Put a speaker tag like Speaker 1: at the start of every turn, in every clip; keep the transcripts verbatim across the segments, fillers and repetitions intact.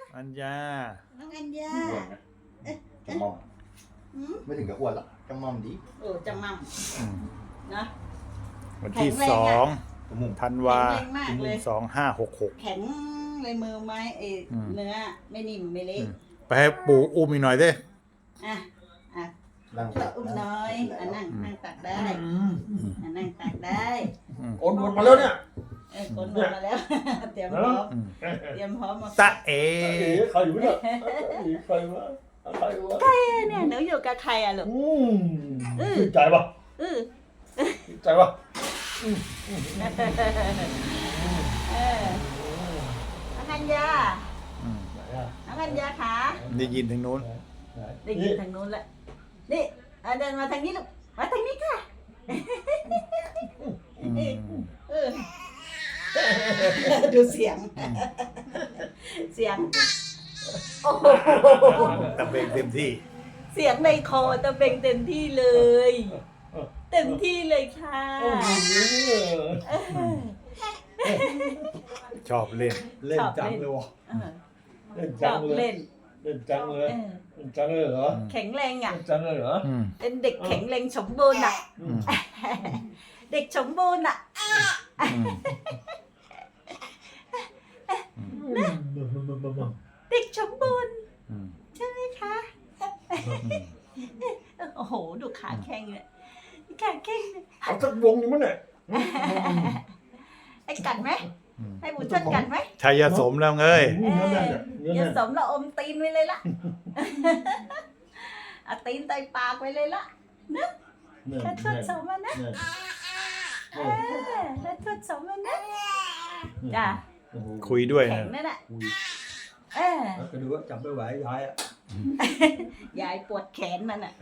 Speaker 1: อัญญา
Speaker 2: น้องอัญญา
Speaker 3: อ้วนนะจะมอมไม่ถึงกับอ้วนหรอกจะมอมดี
Speaker 2: โอ้จะมั่มนะ
Speaker 1: วันที่สองธันวา
Speaker 2: แข็งแรงมากเลย
Speaker 1: สองห้าหกหก
Speaker 2: แข็งเลยมือไม้เอเนื้อไม่นิ่มไม่เละ
Speaker 1: ไปให้ปู่อุ้มอีกหน่อยดิ
Speaker 2: อ่ะอ่ะ
Speaker 3: นั่ง
Speaker 2: ช่วยอุ้มน้อยอ่ะนั่งนั่งตักได้อ่ะนั่งตักได้
Speaker 3: โอนหมดมาแล้วเนี่ย
Speaker 2: เออคนหมดมาแล้ว เตรียมพร้อมเตรียมพร้อมมา
Speaker 1: ตะเอ
Speaker 3: ใครอยู่เนี่ยใครวะใครวะ
Speaker 2: ใครเนี่ยหนูอยู่กับใครอ่ะลูก
Speaker 3: อืมใจปะ
Speaker 2: เออ
Speaker 3: ใจปะ
Speaker 2: เออน้องอัญญา
Speaker 3: ไหนอ่ะ
Speaker 2: น้องอัญญาขา
Speaker 1: ได้ยินถึงนู้น
Speaker 2: ได้ยินทางนู้นแล้วนี่เอาเดินมาทางนี้ลูกมาทางนี้ค่ะ เออดูเสียง เสียง โอ้โห
Speaker 1: ตะเบงเต็มที่
Speaker 2: เสียงในคอตะเบงเต็มที่เลย เต็มที่เลยค่ะเออ
Speaker 1: ชอบเล่น
Speaker 3: เล่นจังเลยวะ
Speaker 2: เออ
Speaker 3: เล่น
Speaker 2: ช
Speaker 3: จั
Speaker 2: อง บ
Speaker 3: เลย
Speaker 2: เล่น
Speaker 3: เล่นจังเลย
Speaker 2: เออ
Speaker 3: เล่นจังเลยเหรอ
Speaker 2: แข็งแรงอ่ะ
Speaker 3: เล่นจังเลยเหรอ
Speaker 1: อืม
Speaker 2: เป็นเด็กแข็งแรงสมบูรณ์อ่ะ
Speaker 3: อืม
Speaker 2: เด็กสมบูรณ์อ่ะ
Speaker 1: อืม
Speaker 2: เด็กสมบูรณ์
Speaker 1: อืม
Speaker 2: ใช่ไหมคะ โอ้โห ดูขาแข้งเลยขาแข้งเลย
Speaker 3: เอาสักวงหนึงมั้งเนี่ย
Speaker 2: ให้กัดไหมให้บุญช่วยกัดไหม
Speaker 1: ชัยสมแล้วเอ้ย
Speaker 3: เนื้อแน่นอ่ะเนื้อ
Speaker 2: อย่า
Speaker 3: แน่น
Speaker 2: สมเราอมตีนไว้เลยล่ะ เอาตีนใส่ปากไว้เลยล่ะ
Speaker 3: แน่น
Speaker 2: แค่ทดสอบมันนะ
Speaker 3: แน่น
Speaker 2: เออแค่ทดสอบมันนะจ้ะ
Speaker 3: โอ้โห
Speaker 1: คุยด้วย
Speaker 2: แข็
Speaker 1: นะ
Speaker 2: งนั่นแหละ
Speaker 3: คุย
Speaker 2: เออ
Speaker 3: แล้วก็ดูว่าจับไม่ไหวยายอ่ะ
Speaker 2: ยายปวดแขนมันอ่ะ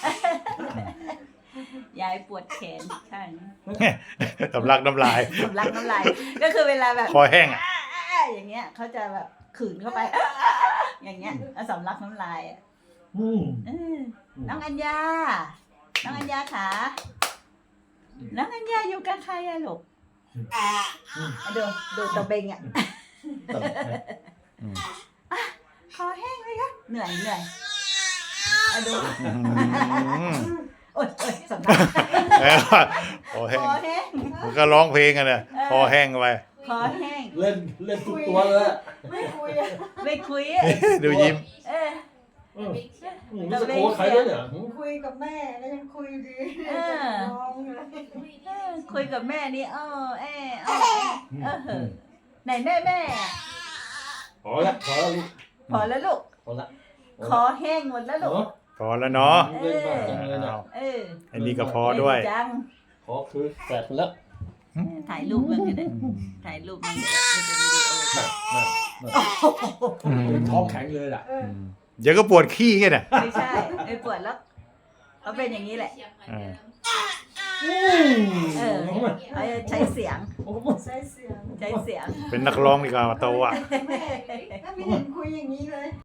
Speaker 2: ยายปวดแขนใช่
Speaker 1: สำลักน้ำลาย
Speaker 2: สำลักน้ำลายก็คือเวลาแบบ
Speaker 1: คอแห้งอ่ะ
Speaker 2: อย่างเงี้ยเขาจะแบบขืนเข้าไป อย่างเงี้ยแล้วสำลักน้ำลายอ่ะ
Speaker 3: อืม
Speaker 2: เออน้องอัญญา น้องอัญญาขาน้องอัญญาอยู่กับใครอะลูกดูดูตะเบงอ่ะ
Speaker 1: อืม
Speaker 2: คอแห้งเลยคะเหนื่อยเหนื่อยอะดู
Speaker 1: อืม
Speaker 2: โอ๊ยโอ๊ยสำลัก
Speaker 1: แล้วคอแห้
Speaker 2: ค
Speaker 1: ง
Speaker 2: อแห้ง
Speaker 1: มันก็ร้องเพลงกันนะคอแห้งไป
Speaker 2: คอแห้ง
Speaker 3: เล่นเล่นทุกตัวเลยอะ
Speaker 2: ไม่คุยอะไม่คุยอะ
Speaker 1: ดูยิ้ม
Speaker 2: เออ
Speaker 3: อืมอืมรู้สึกโอ้ใครด้วยเนี่ยหืม
Speaker 4: คุยกับแม่ก็ยังคุยดี
Speaker 2: เออ
Speaker 4: น้องเลย
Speaker 2: เออคุยกับแม่นี่เออเออเออเออเออไหนแม่แม่อะ
Speaker 3: พอละพอละลูก
Speaker 2: พอแล้วลูก
Speaker 3: พอละ
Speaker 2: คอแห้งหมดแล้วลูก
Speaker 3: เนาะ
Speaker 1: พอแล้วเนาะ
Speaker 3: เล่นบ้าจังเลยนะ
Speaker 2: เออ
Speaker 1: อันนี้ก็พอด้วย
Speaker 2: เล่นจัง
Speaker 3: ขอคือแฝดแล้ว
Speaker 2: เออถ่ายรูปมันก็ได้ถ่ายรูปมันก็ได้มันเป็นวิดีโอ
Speaker 3: น่ะน่ะน่ะเป็นท้องแข็งเลยล่ะ
Speaker 1: อืมเดี๋ยวก็ปวดขี้ไงน่ะ
Speaker 2: ไม่ใช่ไม่ปวดแล้วเขาเป็นอย่างนี้แหละ
Speaker 1: เออ
Speaker 3: อืม
Speaker 2: เออเขาจะใช้เสียง
Speaker 4: ใช้เสียง
Speaker 2: ใช้เสียง
Speaker 1: เป็นนักร้องดีกว่าโตอ่ะ
Speaker 4: แม่ก็ไม่เห็นคุยอย่างนี้เลย